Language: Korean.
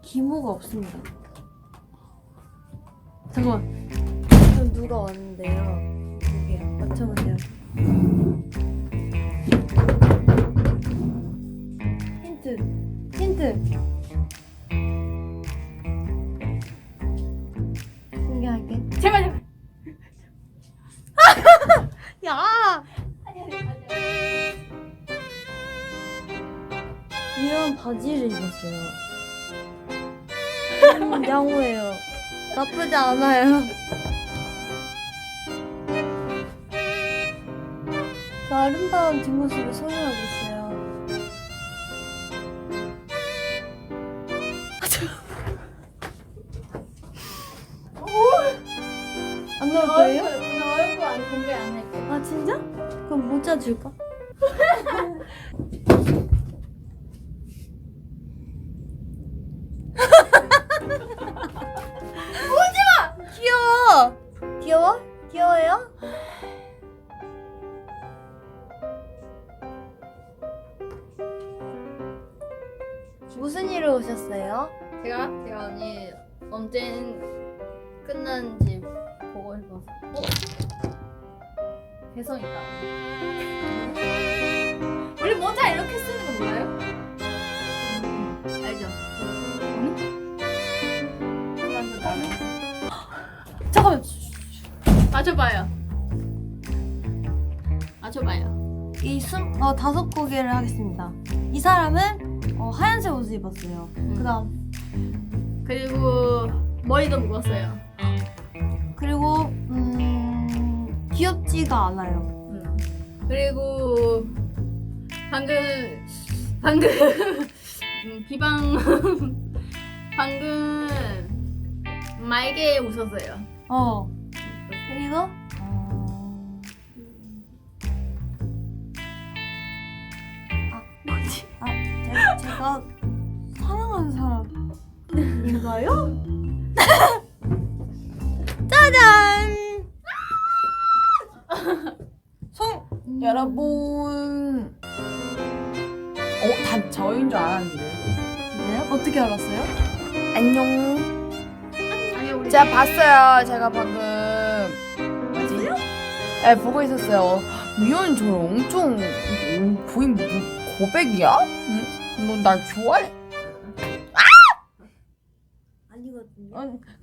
기모가 없습니다. 잠깐만. 지금 누가 왔는데요? 여기요. 맞춰보세요. 힌트. 공개할게. 제발. 야! 이런 바지를 입었어요. 양호해요. 나쁘지 않아요. 그 아름다운 뒷모습을 소유하고 있어요. 안 나올 거예요? 얼굴 안 공개 안 할게. 아 진짜? 그럼 모자 줄까? 오지마! 귀여워. 귀여워? 귀여워요? 무슨 일로 오셨어요? 제가 언니 언제 끝났는지 보고 싶어서. 개성 있다. 원래 모자 이렇게 쓰는 거 몰라요? 알죠? 완전 다르. 잠깐만. 맞춰봐요. 맞춰봐요. 다섯 고개를 하겠습니다. 이 사람은 하얀색 옷을 입었어요. 그다음 그리고 머리도 묶었어요. 그리고 귀엽지가 않아요. 그리고 방금 비방 방금 말게 웃었어요. 그리고 뭐지? 제가 사랑하는 사람인가요? 짜잔! 여러분. 다 저인 줄 알았는데. 진짜요? 어떻게 알았어요? 안녕. 아니 우리 제가 봤어요. 제가 방금 뭐지? 네, 보고 있었어요. 미연 저 엄청 보인 고백이야? 응? 너 날 좋아해? 아니거든요.